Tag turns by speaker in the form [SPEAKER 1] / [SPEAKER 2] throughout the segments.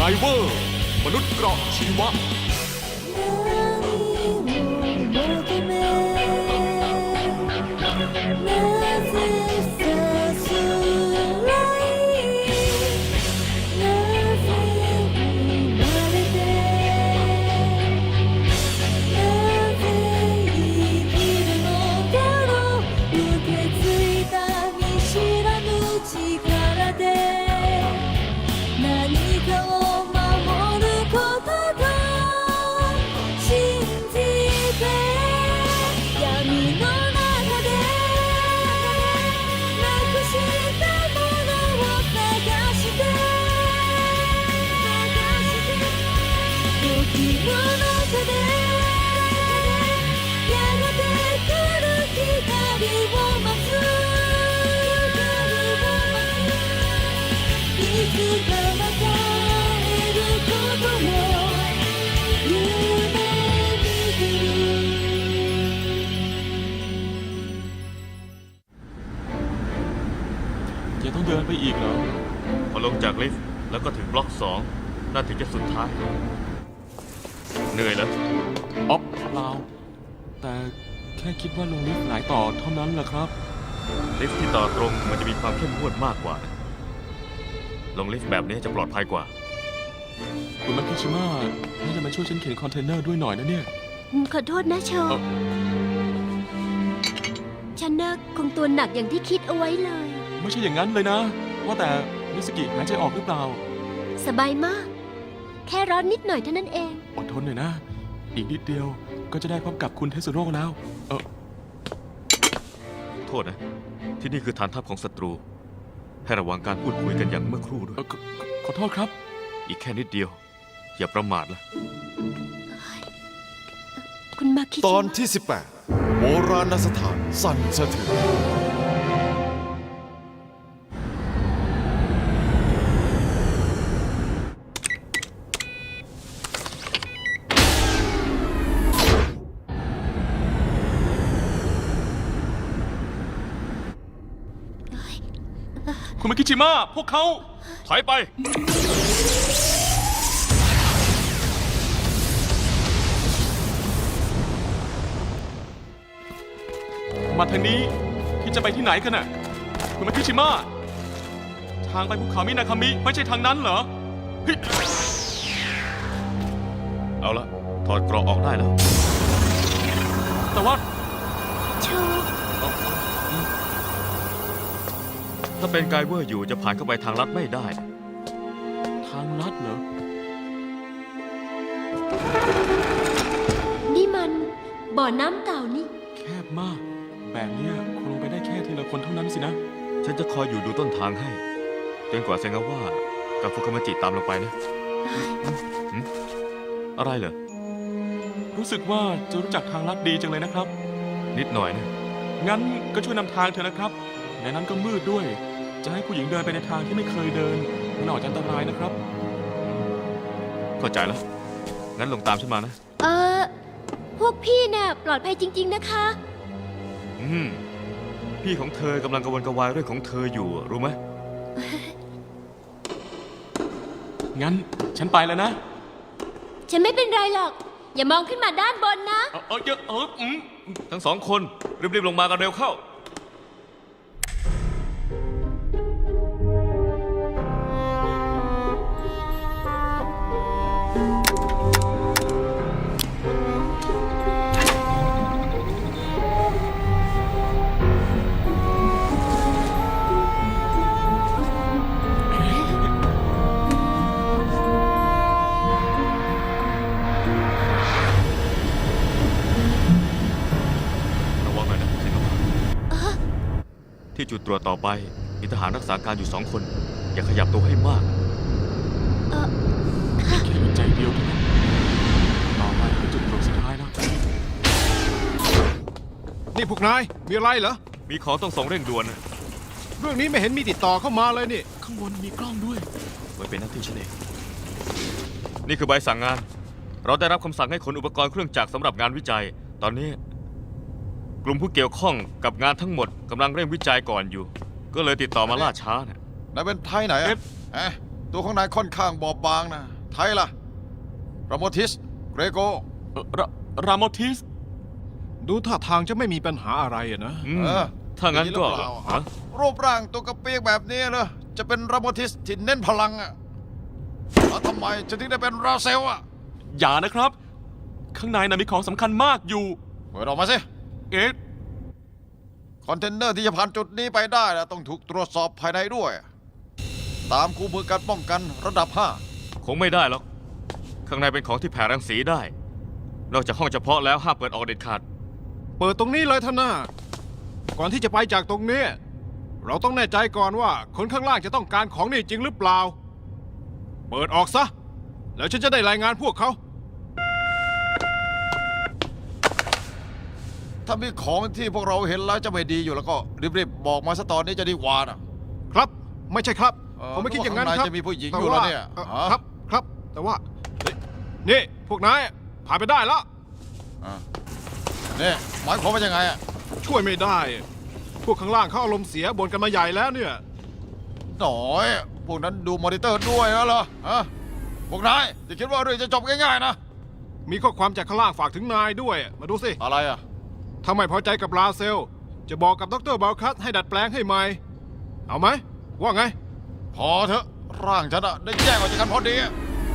[SPEAKER 1] เวอร์มนุษย์เกราะชีวะยังต้องเดินไปอีกเหรอพอลงจากลิฟต์แล้วก็ถึงบล็อก2น่าถึงจะสุดท้ายเหนื่อยแล้วอ๊อบเปล่าแต่แค่คิดว่าลงลิฟต์หลายต่อเท่านั้นแหละครับลิฟต์ที่ต่อตรงมันจะมีความเข้มงวดมากกว่าลงลิฟต์แบบนี้จะปลอดภัยกว่าคุณมาคิชิมะน่าจะมาช่วยฉันเข็นคอนเทนเนอร์ด้วยหน่อยนะเนี่ย
[SPEAKER 2] ขอโทษนะโชฉันน่ะคงตัวหนักอย่างที่คิดเอาไว้เลย
[SPEAKER 1] ไม่ใช่อย่างนั้นเลยนะว่าแต่มิสกิหายใจออกหรือเปล่า
[SPEAKER 2] สบายมากแค่ร้อนนิดหน่อยเท่านั้นเอง
[SPEAKER 1] อดทนหน่อยนะอีกนิดเดียวก็จะได้พบกับคุณเทสโร่แล้วโทษนะที่นี่คือฐานทัพของศัตรูให้ระวังการพูดคุยกันอย่างเมื่อครู่ด้วยขอโทษครับอีกแค่นิดเดียวอย่าประมาทล่ะ
[SPEAKER 2] คุณมาคิด
[SPEAKER 3] ตอนที่18โบราณสถานสั่นสะเทือน
[SPEAKER 1] คุณมาคิชิมะพวกเขาถอยไปมาทางนี้ที่จะไปที่ไหนกันน่ะคุณมาคิชิมะทางไปภูเขามินาคามิไม่ใช่ทางนั้นเหรอเอาละถอดเกราะออกได้แล้วแต่ว่า
[SPEAKER 2] โช
[SPEAKER 1] ถ้าเป็นไกเวอร์อยู่จะผ่านเข้าไปทางลัดไม่ได้ทางลัดเหรอ
[SPEAKER 2] นี่มันบ่อน้ำเก่านี่
[SPEAKER 1] แคบมากแบบนี้คงลงไปได้แค่ทีละคนเท่านั้นสินะฉันจะคอยอยู่ดูต้นทางให้จนกว่าเซงาว่ากับฟุคามาจิตามลงไปนะอะไรเหรอรู้สึกว่าจะรู้จักทางลัดดีจังเลยนะครับนิดหน่อยนะงั้นก็ช่วยนำทางเถอะนะครับในนั้นก็มืดด้วยจะให้ผู้หญิงเดินไปในทางที่ไม่เคยเดินมันอาจจะอันตรายนะครับเข้าใจแล้วงั้นลงตามฉันมานะ
[SPEAKER 2] พวกพี่น่ะปลอดภัยจริงๆนะคะ
[SPEAKER 1] พี่ของเธอกำลังกระวนกระวายเรื่องของเธออยู่รู้ไหม งั้นฉันไปแล้วนะ
[SPEAKER 2] ฉันไม่เป็นไรหรอกอย่ามองขึ้นมาด้านบนนะ
[SPEAKER 1] ทั้งสองคนรีบๆลงมากันเร็วเข้าที่จุดตรวจต่อไปมีทหารรักษาการอยู่2 คนอย่าขยับตัวให้มากแค่ใจเดียวเท่านั้นต่อไปคือจุดตรวจสุดท้ายนะ
[SPEAKER 3] นี่พวกนายมีอะไรเหรอ
[SPEAKER 1] มีของต้องส่งเร่งด่วนนะ
[SPEAKER 3] เรื่องนี้ไม่เห็นมีติดต่อเข้ามาเลยนี่
[SPEAKER 1] ข้างบนมีกล้องด้วยไว้เป็นหน้าที่ฉันเองนี่คือใบสั่งงานเราได้รับคำสั่งให้ขนอุปกรณ์เครื่องจักรสำหรับงานวิจัยตอนนี้กลุ่มผู้เกี่ยวข้องกับงานทั้งหมดกำลังเร่งวิจัยก่อนอยู่ก็เลยติดต่อมาล่าช้านะ
[SPEAKER 3] นายเป็นไทยไหนตัวของนายค่อนข้างบอบบางนะไทยล่ะราโมทิส เกรโก
[SPEAKER 1] รามอทิส
[SPEAKER 4] ดูท่าทางจะไม่มีปัญหาอะไรอะนะ
[SPEAKER 3] เออ
[SPEAKER 1] ถ้างั้นก็
[SPEAKER 3] ดีหรือเปล่า
[SPEAKER 1] ฮะ
[SPEAKER 3] รูปร่างตัวกระเปียกแบบนี้เหรอจะเป็นราโมทิสที่เน้นพลังอะแล้วทำไมจะถึงได้เป็นราเซลอะ
[SPEAKER 1] อย่านะครับ ข้างในน่ะมีของสำคัญมากอยู่
[SPEAKER 3] เปิดออกมาสิ
[SPEAKER 1] เอ๊ะ
[SPEAKER 3] คอนเทนเนอร์ที่จะผ่านจุดนี้ไปได้นะต้องถูกตรวจสอบภายในด้วย ตามคู่มือการป้องกันระดับ
[SPEAKER 1] คงไม่ได้หรอก ข้างในเป็นของที่แผ่รังสีได้ นอกจากห้องเฉพาะแล้วห้ามเปิดออกเด็ดขาด
[SPEAKER 4] เปิดตรงนี้เลยท่านหน้า ก่อนที่จะไปจากตรงนี้ เราต้องแน่ใจก่อนว่าคนข้างล่างจะต้องการของนี่จริงหรือเปล่า เปิดออกซะ แล้วฉันจะได้รายงานพวกเขา
[SPEAKER 3] 5 ถ้ามีของที่พวกเราเห็นแล้วจะไม่ดีอยู่แล้วก็รีบๆบอกมาซะตอนนี้จะดีกว่านะ
[SPEAKER 4] ครับ ไม่ใช่ครับ
[SPEAKER 3] เออ
[SPEAKER 4] ผมไม่คิดอย่างนั้น
[SPEAKER 3] ข้าง
[SPEAKER 4] ค
[SPEAKER 3] ใน
[SPEAKER 4] รับ
[SPEAKER 3] จะมีผู้หญิง
[SPEAKER 4] แต่
[SPEAKER 3] อยู่แล้วเนี่ย
[SPEAKER 4] ว่า
[SPEAKER 3] ฮะ
[SPEAKER 4] ครับครับ แต่ว่าเฮ้ยนี่พวกนายผ่านไปได้แล้ว
[SPEAKER 3] นี่หมายความว่ายังไงอะ
[SPEAKER 4] ช่วยไม่ได้ พวกข้างล่างเขาอารมณ์เสียบ่นกันมาใหญ่แล้วเนี่ย
[SPEAKER 3] หน่อย พวกนั้นดูมอนิเตอร์ด้วยแล้วเหรอฮะพวกนายจะคิดว่าเรื่องจะจบง่ายๆนะ
[SPEAKER 4] มีข้อความจากข้างล่างฝากถึงนายด้วย มาดูสิ
[SPEAKER 3] อะไรอะ
[SPEAKER 4] ถ้าไม่พอใจกับลาเซล จะบอกกับดรบาลคัสให้ดัดแปลงให้ใหม่ เอาไหม ว่าไง
[SPEAKER 3] พอเถอะร่างฉันอะได้แยกออกจากกันพอดีอะ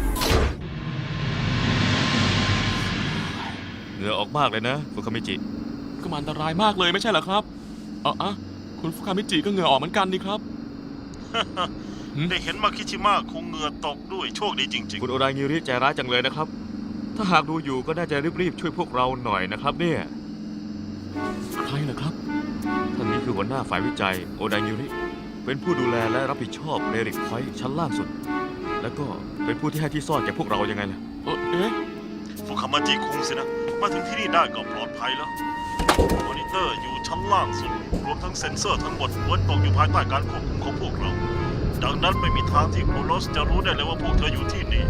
[SPEAKER 1] เหงื่อออกมากเลยนะฟุคามิจิ ก็มันอันตรายมากเลยไม่ใช่เหรอครับคุณฟุคามิจิก็เหงื่อออกเหมือนกันนี่ครับ
[SPEAKER 5] ได้เห็นมาคิชิมะคงเหงื่อตกด้วยโชคดีจริง
[SPEAKER 1] คุณโอรางิริใจร้ายจังเลยนะครับ ถ้าหากดูอยู่ก็น่าจะรีบๆช่วยพวกเราหน่อยนะครับเนี่ยใครเหรอครับ ท่านนี้คือหัวหน้าฝ่ายวิจัยโอรางิริ เป็นผู้ดูแลและรับผิดชอบเรริกพอยต์ชั้นล่างสุด แล้วก็เป็นผู้ที่ให้ที่ซ่อนแก่พวกเรายังไงล่ะเอ๊ะ
[SPEAKER 5] ๆฟุคามาจิคุงสินะ มาถึงที่นี่ได้ก็ปลอดภัยแล้ว มอนิเตอร์อยู่ชั้นล่างสุด รวมทั้งเซ็นเซอร์ทั้งหมดล้วนตกอยู่ภายใต้การควบคุมของพวกเรา ดังนั้นไม่มีทางที่โครโนสจะรู้ได้เลยว่าพวกเธออยู่ที่นี่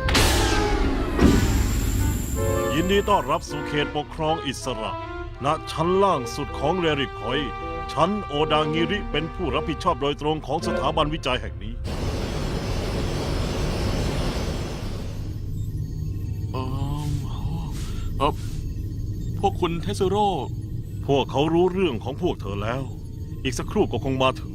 [SPEAKER 5] ยินดีต้อนรับสู่เขตปกครองอิสระ ณ ชั้นล่างสุดของเรริกพอยต์ชั้นโอดางิริเป็นผู้รับผิดชอบโดยตรงของสถาบันวิจัยแห่งนี้
[SPEAKER 1] พวกคุณเทสโร่
[SPEAKER 5] พวกเขารู้เรื่องของพวกเธอแล้ว อีกสักครู่ก็คงมาถึง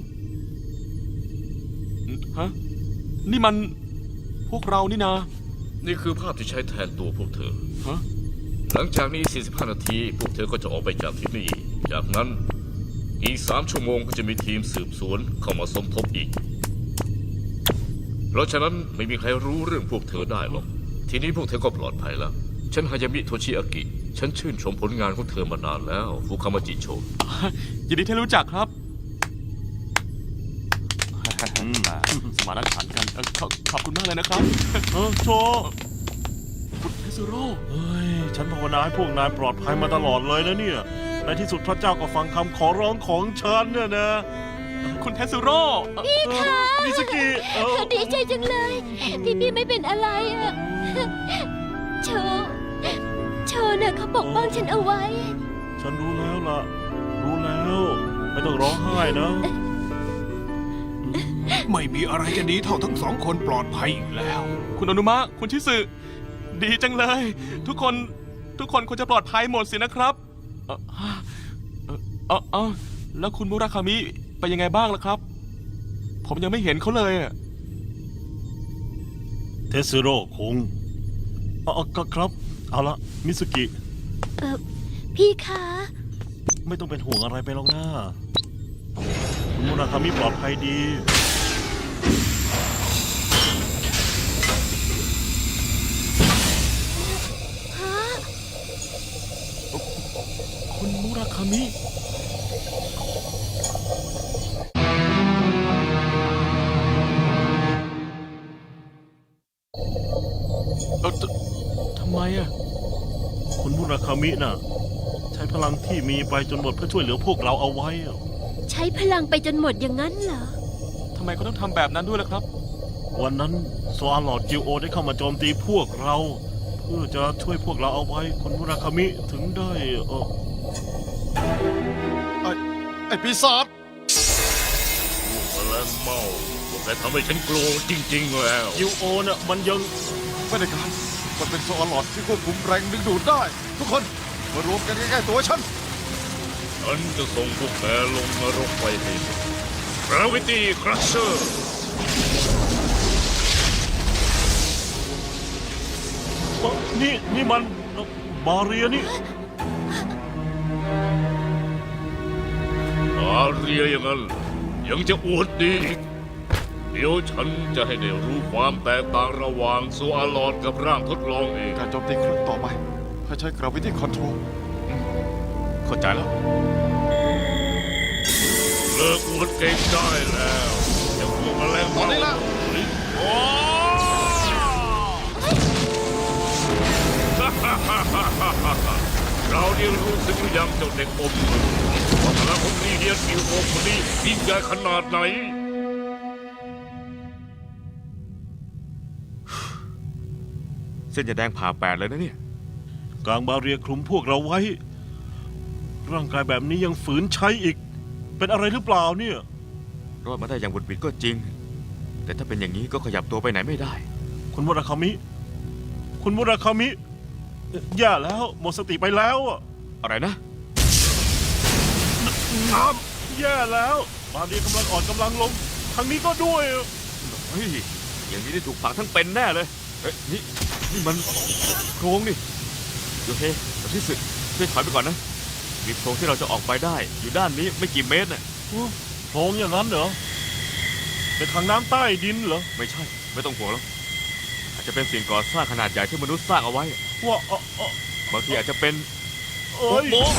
[SPEAKER 1] ฮะ นี่มันพวกเรานี่นา
[SPEAKER 6] นี่คือภาพที่ใช้แทนตัวพวกเธอ
[SPEAKER 1] ฮะ
[SPEAKER 6] หลังจากนี้ 45 นาที พวกเธอก็จะออกไปจากที่นี่ จากนั้นอีก 3 ชั่วโมงก็จะมีทีมสืบสวนเข้ามาสมทบอีก เพราะฉะนั้นไม่มีใครรู้เรื่องพวกเธอได้หรอก ทีนี้พวกเธอก็ปลอดภัยแล้ว ฉันฮายามิโทชิอากิ ฉันชื่นชมผลงานของเธอมานานแล้ว ฟุคามาจิโช
[SPEAKER 1] ยินดีที่รู้จักครับ สมานฉันท์กันขอบคุณมากเลยนะครับ
[SPEAKER 5] โช
[SPEAKER 1] คุณเทสโร่
[SPEAKER 5] เฮ้ย ฉันภาวนาให้พวกนายปลอดภัยมาตลอดเลยนะเนี่ย ในที่สุดพระเจ้าก็ฟังคำขอร้องของฉันเนี่ยนะ
[SPEAKER 1] คุณเทสโร่
[SPEAKER 5] มิสกิ
[SPEAKER 2] ดีใจจังเลยที่พี่ไม่เป็นอะไรอะโชน่ะเขาปกป้องฉันเอาไว้
[SPEAKER 5] ฉันรู้แล้วล่ะ รู้แล้ว ไม่ต้องร้องไห้นะ
[SPEAKER 4] ไม่มีอะไรจะดีเท่าทั้งสองคนปลอดภัยอีกแล้ว
[SPEAKER 1] คุณอนุมะ คุณชิสึดีจังเลย ทุกคนควรจะปลอดภัยหมดสินะครับแล้วคุณมุราคามิไปยังไงบ้างล่ะครับ ผมยังไม่เห็นเขาเลยอะ
[SPEAKER 5] เทสโร่คงก็ครับ เอาละมิสกิ
[SPEAKER 2] พี่คะ
[SPEAKER 5] ไม่ต้องเป็นห่วงอะไรไปหรอกนะคุณมุราคามิปลอดภัยดี
[SPEAKER 1] คุณมุราคามิ ทำไมอะ
[SPEAKER 5] คุณมุราคามิน่ะ ใช้พลังที่มีไปจนหมดเพื่อช่วยเหลือพวกเราเอาไว้อะ
[SPEAKER 2] ใช้พลังไปจนหมดอย่างนั้นเหรอ
[SPEAKER 1] ทำไมเขาต้องทำแบบนั้นด้วยล่ะครับ
[SPEAKER 5] วันนั้นโซอาลอดจิโอได้เข้ามาโจมตีพวกเรา เพื่อจะช่วยพวกเราเอาไว้ คุณมุราคามิถึงได้
[SPEAKER 3] ไอ้ปีศาจ
[SPEAKER 5] พวกแมลงเม่าพวก
[SPEAKER 6] แต่ทำให้ฉันกลัวจริง ๆ แล้ว
[SPEAKER 5] ยูโอน่ะมันยัง
[SPEAKER 3] ไม่ได้การมันเป็นโซอลอดที่ควบคุมแรงดึงดูดได้ ทุกคนมารวมกันใกล้ๆตัวฉัน
[SPEAKER 6] ฉันจะส่งพวกแกลงนรกไปให้หมด Gravity Crusher
[SPEAKER 5] นี่มันบาเรียนี่
[SPEAKER 6] อาเรียอย่างนั้นยังจะอวดดีอีกเดี๋ยวฉันจะให้ได้รู้ความแตกต่างระหว่างโซอาลอดกับร่างทดลองเอง
[SPEAKER 3] การโจมตีครั้งต่อไปให้ใช้ Gravity Control
[SPEAKER 1] เข้าใจแล้ว
[SPEAKER 6] เลิกอวดเก่งได้แล้วอย่าพวกแมลง
[SPEAKER 3] ตอนนี้ละ
[SPEAKER 6] โอ้เราเรียนรู้สึกหรือยังเจ้าเด็กอมมือว่าพลังของลีเดียนกิวโอคนนี้ยิ่งใหญ่ขนาดไหน
[SPEAKER 1] เส้นจะแดงผ่าแปดเลยนะเนี่ย
[SPEAKER 5] กลางบาเรียคลุมพวกเราไว้ ร่างกายแบบนี้ยังฝืนใช้อีก เป็นอะไรหรือเปล่าเนี่ย
[SPEAKER 1] รอดมาได้อย่างบุดบิดก็จริง แต่ถ้าเป็นอย่างนี้ก็ขยับตัวไปไหนไม่ได้
[SPEAKER 5] คุณมุราคามิ คุณมุราคามิแย่แล้วหมดสติไปแล้วอะ
[SPEAKER 1] อะไรนะ
[SPEAKER 5] น้ำแย่แล้วบาเรียกำลังอ่อนกำลังลงทางนี้ก็ด้วยอะ
[SPEAKER 1] เฮ้ย อย่างนี้ได้ถูกฝังทั้งเป็นแน่เลย เฮ้ย นี่มันโครงนี่โอเคแต่ที่สุดช่วยถอยไปก่อนนะ มีโพรงที่เราจะออกไปได้ อยู่ด้านนี้ไม่กี่เมตรน่ะ
[SPEAKER 5] โพรงอย่างนั้นเหรอเป็นทางน้ำใต้ดินเหรอ
[SPEAKER 1] ไม่ใช่ ไม่ต้องห่วงแล้ว อาจจะเป็นสิ่งก่อสร้างขนาดใหญ่ที่มนุษย์สร้างเอาไว้
[SPEAKER 5] ว่า
[SPEAKER 1] บางทีอาจจะเป็น
[SPEAKER 5] เอ้ย
[SPEAKER 1] โป๊ะ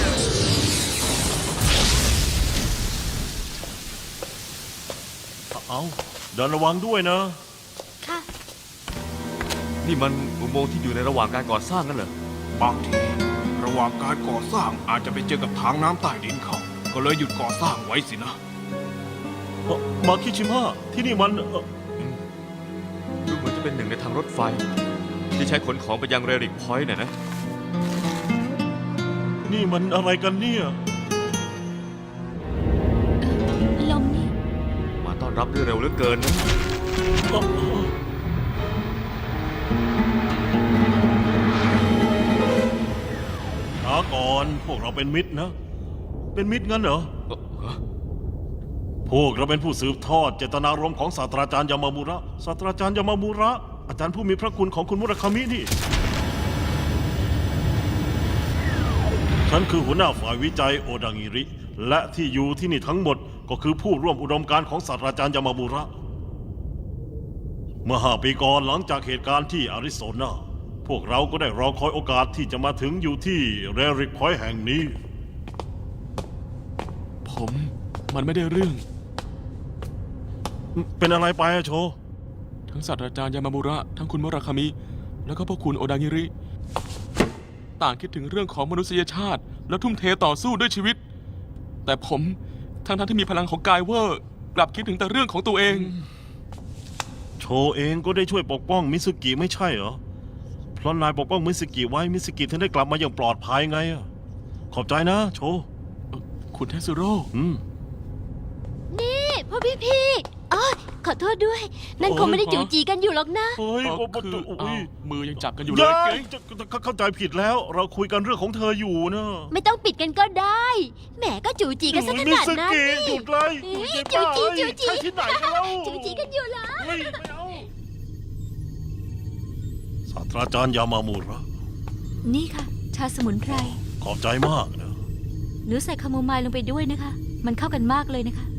[SPEAKER 5] เอาเดินระวังด้วยนะ
[SPEAKER 2] ค่ะ
[SPEAKER 1] นี่มันอุโมงค์ที่อยู่ในระหว่างการก่อสร้างนั่นเหรอ
[SPEAKER 4] บางทีระหว่างการก่อสร้างอาจจะไปเจอกับทางน้ำใต้ดินเขา ก็เลยหยุดก่อสร้างไว้สินะ
[SPEAKER 5] มาคิชิมะที่นี่มัน
[SPEAKER 1] ดูเหมือนจะเป็นหนึ่งในทางรถไฟ ที่ใช้ขนของไปยังเรริกพอยต์น่ะนะ
[SPEAKER 5] นี่มันอะไรกันเนี่ย
[SPEAKER 2] ลมนี่
[SPEAKER 1] มาต้อนรับด้วยเร็วเหลือเกินนะ
[SPEAKER 5] ช้าก่อนพวกเราเป็นมิตรนะ เป็นมิตรงั้นเหรอ พวกเราเป็นผู้สืบทอดเจตนารมณ์ของศาสตราจารย์ยามามูระ ศาสตราจารย์ยามามูระ อาจารย์ผู้มีพระคุณของคุณมุราคามินี่ ฉันคือหัวหน้าฝ่ายวิจัยโอดังิริ และที่อยู่ที่นี่ทั้งหมดก็คือผู้ร่วมอุดมการณ์ของศาสตราจารย์ยามามูระ เมื่อ5 ปีก่อนหลังจากเหตุการณ์ที่อาริโซนา พวกเราก็ได้รอคอยโอกาสที่จะมาถึงอยู่ที่เรริกพอยต์แห่งนี้
[SPEAKER 7] มันไม่ได้เรื่อง
[SPEAKER 5] เป็นอะไรไปอะโช
[SPEAKER 7] ทั้งศาสตราจารย์ยามามุระ ทั้งคุณมุราคามิ แล้วก็พ่อคุณโอดางิริ ต่างคิดถึงเรื่องของมนุษยชาติ และทุ่มเทต่อสู้ด้วยชีวิต แต่ผมทั้งที่มีพลังของกายเวอร์ กลับคิดถึงแต่เรื่องของตัวเอง
[SPEAKER 5] โชเองก็ได้ช่วยปกป้องมิสุกิไม่ใช่เหรอ เพราะนายปกป้องมิสุกิไว้มิสุกิถึงได้กลับมาอย่างปลอดภัยไงอะขอบใจนะโช
[SPEAKER 7] คุณเทสึโร่
[SPEAKER 2] นี่พ่อพี่อ๋อขอโทษด้วย นั่นคงไม่ได้จูจีกันอยู่หรอกนะ
[SPEAKER 5] เฮ้ย
[SPEAKER 7] คือ
[SPEAKER 5] โอ้
[SPEAKER 7] อ้า
[SPEAKER 5] ยว
[SPEAKER 7] มือยังจับกันอยู่เลย
[SPEAKER 5] ยั
[SPEAKER 7] เกร
[SPEAKER 5] ยจะเข้าใจผิดแล้ว เราคุยกันเรื่องของเธออยู่นะ
[SPEAKER 2] ไม่ต้องปิดกันก็ได้ แหมก็จูจีกันซะขนาดนั้น
[SPEAKER 5] มิสุกิ
[SPEAKER 2] นี่
[SPEAKER 5] หยุดเลย
[SPEAKER 2] เอ้ย
[SPEAKER 5] หยุด
[SPEAKER 2] จู
[SPEAKER 5] เลย
[SPEAKER 2] จีจูจี
[SPEAKER 5] ใช่ที่ไหนกันแล้ว
[SPEAKER 2] จูจีกันอยู่เหรอ
[SPEAKER 5] เฮ้ยไม่เอาศาสตราจารย์ยามามูระ
[SPEAKER 2] นี่ค่ะ ชาสมุนไพร
[SPEAKER 5] ขอบใจมากนะ
[SPEAKER 2] หนูใส่คาโมไมล์ลงไปด้วยนะคะ มันเข้ากันมากเลยนะคะ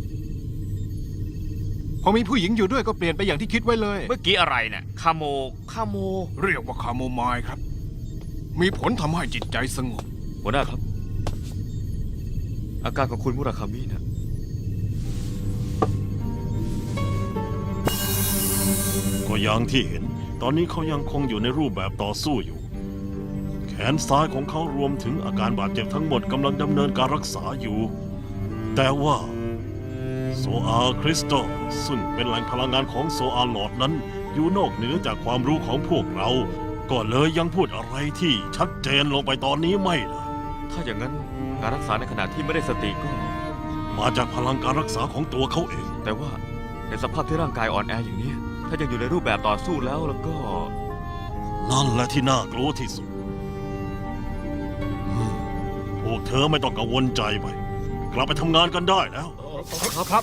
[SPEAKER 4] พอมีผู้หญิงอยู่ด้วยก็เปลี่ยนไปอย่างที่คิดไว้เลย
[SPEAKER 1] เมื่อกี้อะไรเนี่ยคาโม
[SPEAKER 4] เรียกว่าคาโมไมล์ครับ มีผลทำให้จิตใจสงบ
[SPEAKER 1] หัวหน้าครับ อาการของคุณมุราคามิเนี่ย
[SPEAKER 5] ก็อย่างที่เห็น ตอนนี้เขายังคงอยู่ในรูปแบบต่อสู้อยู่ แขนซ้ายของเขารวมถึงอาการบาดเจ็บทั้งหมดกำลังดำเนินการรักษาอยู่ แต่ว่าโซอาคริสตัลซึ่งเป็นแหล่งพลังงานของโซอาหลอดนั้น อยู่นอกเหนือจากความรู้ของพวกเรา ก็เลยยังพูดอะไรที่ชัดเจนลงไปตอนนี้ไม่ได้
[SPEAKER 1] ถ้าอย่างนั้นการรักษาในขณะที่ไม่ได้สติก็
[SPEAKER 5] มาจากพลังการรักษาของตัวเขาเอง
[SPEAKER 1] แต่ว่าในสภาพที่ร่างกายอ่อนแออย่างนี้ ถ้ายังอยู่ในรูปแบบต่อสู้แล้วก็
[SPEAKER 5] นั่นแหละที่น่ากลัวที่สุดพวกเธอไม่ต้องกังวลใจไป กลับไปทำงานกันได้แล้ว
[SPEAKER 6] ครับ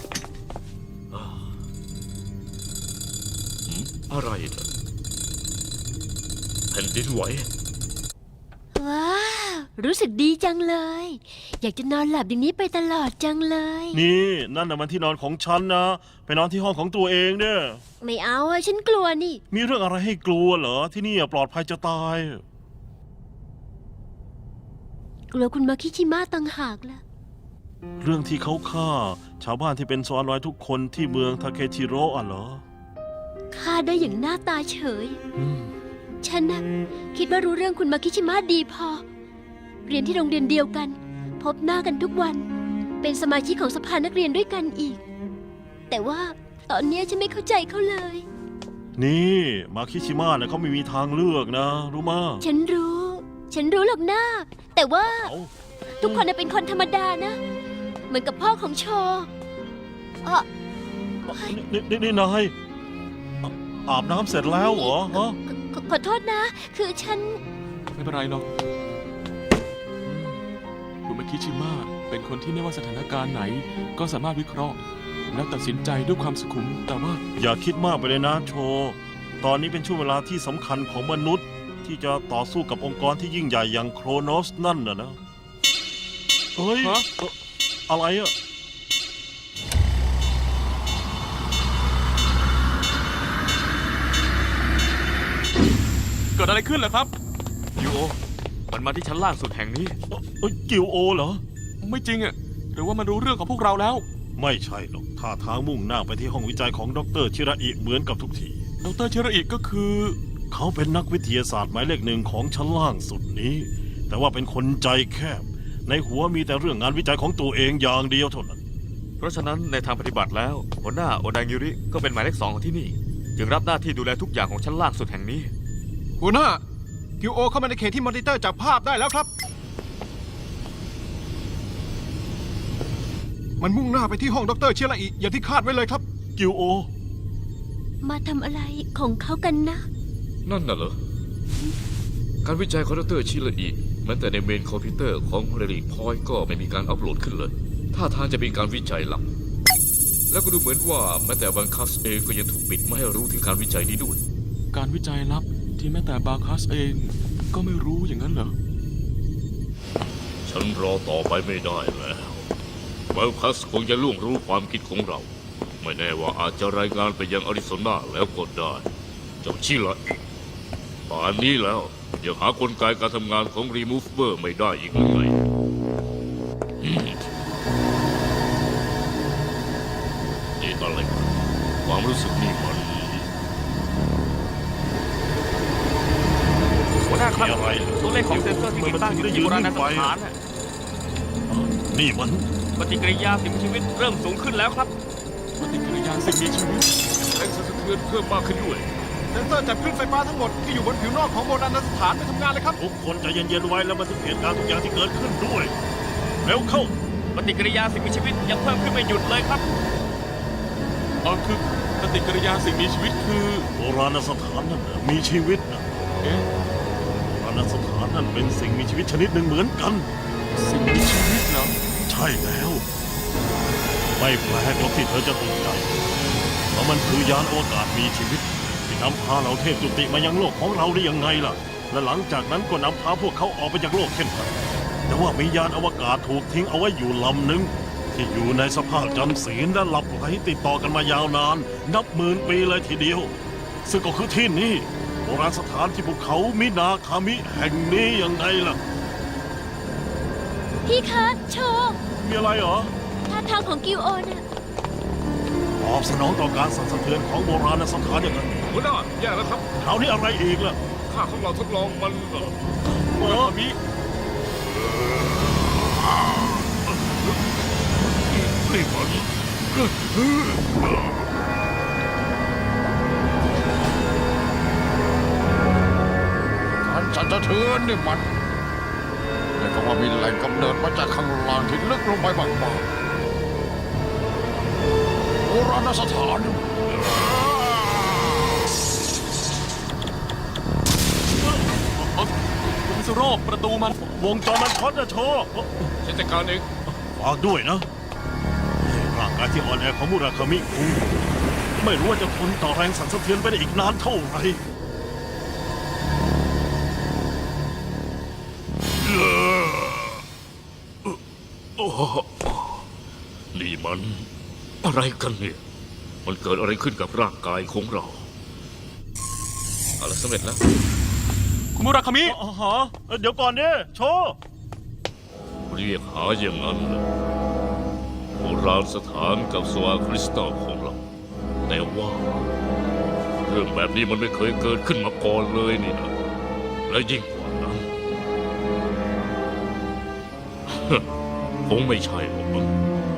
[SPEAKER 6] อะไรนะแผ่นดินไหว
[SPEAKER 2] ว้าว รู้สึกดีจังเลย อยากจะนอนหลับอย่างนี้ไปตลอดจังเลย
[SPEAKER 5] นี่นั่นน่ะมันที่นอนของฉันนะ ไปนอนที่ห้องของตัวเองเนี่ย
[SPEAKER 2] ไม่เอาอะฉันกลัวนี่
[SPEAKER 5] มีเรื่องอะไรให้กลัวเหรอ ที่นี่ปลอดภัยจะตาย
[SPEAKER 2] กลัวคุณมาคิชิมะต่างหากล่ะ
[SPEAKER 5] เรื่องที่เขาฆ่า ชาวบ้านที่เป็นซอนร้อยทุกคนที่เมืองทาเคชิโร่อ่ะเหรอ
[SPEAKER 2] ฆ่าได้อย่างหน้าตาเฉย ฉันนะคิดว่ารู้เรื่องคุณมาคิชิมะดีพอ เรียนที่โรงเรียนเดียวกัน พบหน้ากันทุกวัน เป็นสมาชิกของสภานักเรียนด้วยกันอีก แต่ว่าตอนเนี้ยฉันไม่เข้าใจเขาเลย
[SPEAKER 5] นี่มาคิชิมะนะเขาไม่มีทางเลือกนะ รู้มา
[SPEAKER 2] ฉันรู้หรอกหน้า แต่ว่า
[SPEAKER 5] เอา
[SPEAKER 2] ทุกคนน่ะเป็นคนธรรมดานะ เหมือนกับพ่อของโชอ่ะ
[SPEAKER 5] นี่นายอาบน้ำเสร็จแล้วเหรอฮะ
[SPEAKER 2] ขอโทษนะ คือฉัน
[SPEAKER 7] ไม่เป็นไรหรอกคุณมาคิชิมะเป็นคนที่ไม่ว่าสถานการณ์ไหน ก็สามารถวิเคราะห์ และตัดสินใจด้วยความสุขุม แต่ว่า
[SPEAKER 5] อย่าคิดมากไปเลยนะโช ตอนนี้เป็นช่วงเวลาที่สำคัญของมนุษย์ ที่จะต่อสู้กับองค์กรที่ยิ่งใหญ่อย่างโครโนสนั่นนะเฮ้ย
[SPEAKER 7] ฮะ
[SPEAKER 5] อะไรอะ
[SPEAKER 7] เกิดอะไรขึ้นล่ะครับ
[SPEAKER 1] ยูโอ มันมาที่ชั้นล่างสุดแห่งนี้
[SPEAKER 5] กิวโอเหรอ
[SPEAKER 7] ไม่จริงอะหรือว่ามันรู้เรื่องของพวกเราแล้ว
[SPEAKER 5] ไม่ใช่หรอกท่าทางมุ่งหน้าไปที่ห้องวิจัยของดรชิระอิเหมือนกับทุกที
[SPEAKER 7] ดรเชระอิก็คือ
[SPEAKER 5] เขาเป็นนักวิทยาศาสตร์หมายเลขหนึ่งของชั้นล่างสุดนี้ แต่ว่าเป็นคนใจแคบ ในหัวมีแต่เรื่องงานวิจัยของตัวเองอย่างเดียวเท่านั้น
[SPEAKER 1] เพราะฉะนั้นในทางปฏิบัติแล้ว หัวหน้าโอดางิริก็เป็นหมายเลข 2ของที่นี่ จึงรับหน้าที่ดูแลทุกอย่างของชั้นล่างสุดแห่งนี้
[SPEAKER 4] หัวหน้ากิวโอเข้ามาในเขตที่มอนิเตอร์จับภาพได้แล้วครับ มันมุ่งหน้าไปที่ห้องดรเชียระอิอย่างที่คาดไว้เลยครับ
[SPEAKER 5] กิวโอ
[SPEAKER 2] มาทำอะไรของเขากันนะ
[SPEAKER 6] นั่นน่ะเหรอ การวิจัยของดรชิระอิแม้แต่ในเมนคอมพิวเตอร์ของเรลิกพอยต์ก็ไม่มีการอัปโหลดขึ้นเลยท่าทางจะเป็นการวิจัยลับ แล้วก็ดูเหมือนว่าแม้แต่บังคัสเองก็ยังถูกปิดไม่ให้รู้ถึงการวิจัยนี้ด้วย
[SPEAKER 7] การวิจัยลับที่แม้แต่บาคัสเองก็ไม่รู้อย่างนั้นเหรอ
[SPEAKER 6] ฉันรอต่อไปไม่ได้แล้วบังคัสคงจะล่วงรู้ความคิดของเรา ไม่แน่ว่าอาจจะรายงานไปยังอาริโซนาแล้วก็ได้ เจ้าชิระอิป่านนี้แล้วยังหากลไกการทำงานของรีมูฟเวอร์ไม่ได้อีกหรือไงนี่อะไรกันความรู้สึกนี่มัน
[SPEAKER 1] หัวหน้าครับ
[SPEAKER 5] มีอะไรเหรอ
[SPEAKER 1] ตัวเลขของเซ็นเซอร์ที่ติดตั้งอยู่ที่โบราณสถานน่ะ
[SPEAKER 5] นี่มัน
[SPEAKER 1] ปฏิกิริยาสิ่งมีชีวิตเริ่มสูงขึ้นแล้วครับ
[SPEAKER 7] ปฏิกิริยาสิ่งมีชีวิต
[SPEAKER 6] แรงสั่นสะเทือนเพิ่มมากขึ้นด้วย
[SPEAKER 4] เซ็นเซอร์จับคลื่นไฟฟ้าทั้งหมดที่อยู่บนผิวนอกของโบราณสถานไปทำงานเลยครับ
[SPEAKER 5] ทุกคนใจเย็นๆไว้แล้วบันทึกเหตุการณ์ทุกอย่างที่เกิดขึ้นด้วย เร็วเข้า
[SPEAKER 1] ปฏิกิริยาสิ่งมีชีวิตยังเพิ่มขึ้นไม่หยุดเลยครับ
[SPEAKER 7] คือปฏิกิริยาสิ่งมีชีวิตคือ
[SPEAKER 5] โบราณสถานนั่นน่ะมีชีวิตนะ
[SPEAKER 7] เอ๊ะ
[SPEAKER 5] โบราณสถานนั่นเป็นสิ่งมีชีวิตชนิดหนึ่งเหมือนกัน
[SPEAKER 7] สิ่งมีชีวิตเหรอ
[SPEAKER 5] ใช่แล้ว ไม่แปลกหรอกที่เธอจะตกใจ เพราะมันคือยานอวกาศมีชีวิต ที่นำพาเหล่าเทพจุติมายังโลกของเราได้ยังไงล่ะ และหลังจากนั้นก็นำพาพวกเขาออกไปจากโลกเช่นกันแต่ว่ามียานอวกาศถูกทิ้งเอาไว้อยู่ลำหนึ่งที่อยู่ในสภาพจำศีลและหลับไหลติดต่อกันมายาวนาน นับหมื่นปีเลยทีเดียว ซึ่งก็คือที่นี่โบราณสถานที่ภูเขามินาคามิแห่งนี้ยังไงล่ะ
[SPEAKER 2] พี่คะโช
[SPEAKER 5] มีอะไรเหรอ
[SPEAKER 2] ท่าทางของกิวโอน่ะ
[SPEAKER 5] ตอบสนองต่อการสั่นสะเทือนของโบราณสถานอย่างนั้น
[SPEAKER 6] หัวหน้าแย่แล้วครับ
[SPEAKER 5] คราวนี้อะไรอีกล่ะ
[SPEAKER 6] ค่าของเราทดลองมัน
[SPEAKER 7] โอ้มี
[SPEAKER 6] นี่มัน
[SPEAKER 3] การสั่นสะเทือนนี่มันแต่ก็ว่ามีแหล่งกำเนิดมาจากข้างล่างที่ลึกลงไปบางๆราณสถาน
[SPEAKER 7] มิสโร่ประตูมัน
[SPEAKER 5] วงจรมันช็อตนะโชว์
[SPEAKER 6] ฉันจัดการเอง
[SPEAKER 5] ฝากด้วยนะร่างกายที่อ่อนแอของมุราคามิคุงไม่รู้ว่าจะทนต่อแรงสั่นสะเทือนไปได้อีกนานเท่าไหร่
[SPEAKER 6] นี่มันอะไรกันเนี่ย มันเกิดอะไรขึ้นกับร่างกายของเราเอาละสำเร็จแล้ว
[SPEAKER 7] คุณมุราคามิ
[SPEAKER 5] อ๋อฮะเดี๋ยวก่อนเนี่ยโชว์
[SPEAKER 6] เรียกหาอย่างนั้นเลยโบราณสถานกับสวาคริสตัลของเรา แต่ว่า เรื่องแบบนี้มันไม่เคยเกิดขึ้นมาก่อนเลยนี่นะ และยิ่งกว่านั้น คงไม่ใช่หรอกมั้ง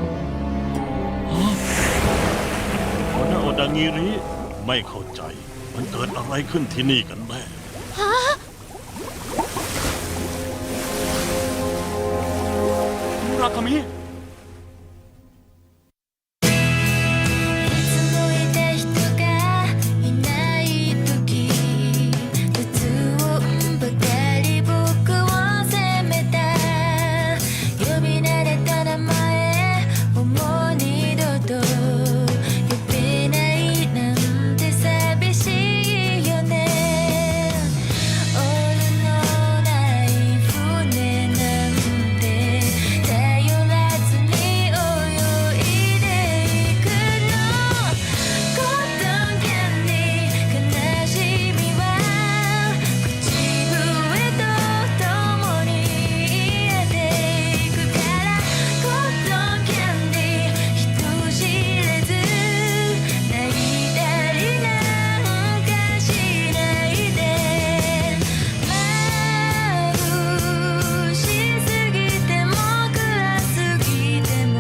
[SPEAKER 5] หัวหน้าโอดางิริไม่เข้าใจ มันเกิดอะไรขึ้นที่นี่กันแน่
[SPEAKER 7] มุราคามิ
[SPEAKER 8] いつもいた人がいない時普通ばかり僕を責めた呼び慣れた名前をもう二度と呼べないなんて寂しいよねオールのない船なんて頼らずに泳いでいくのコットンキャンディー悲しみは口笛とともに癒っていくからコットンキャンディー人知れず泣いたりなんかしないで眩しすぎても暗すぎても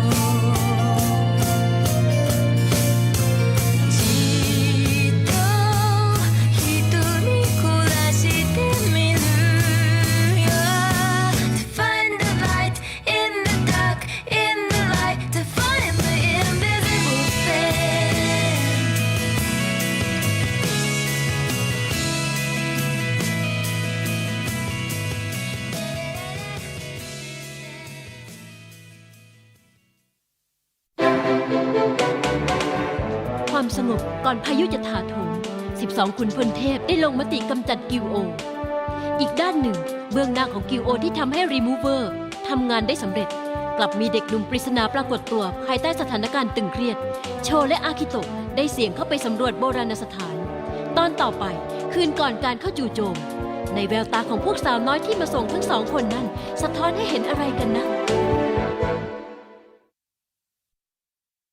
[SPEAKER 8] じっと瞳凝らしてみるよ To find the light in the dark in the light To find the invisible thing
[SPEAKER 2] ความสงบก่อนพายุจะถาโถม 12 ขุนพลเทพได้ลงมติกำจัดกิลโอ อีกด้านหนึ่ง เบื้องหน้าของกิลโอที่ทำให้รีมูเวอร์ทำงานได้สำเร็จ กลับมีเด็กหนุ่มปริศนาปรากฏตัวภายใต้สถานการณ์ตึงเครียด โชและอาคิโตะได้เสี่ยงเข้าไปสำรวจโบราณสถาน ตอนต่อไป คืนก่อนการเข้าจู่โจม ในแววตาของพวกสาวน้อยที่มาส่งทั้งสองคนนั้น สะท้อนให้เห็นอะไรกันนะ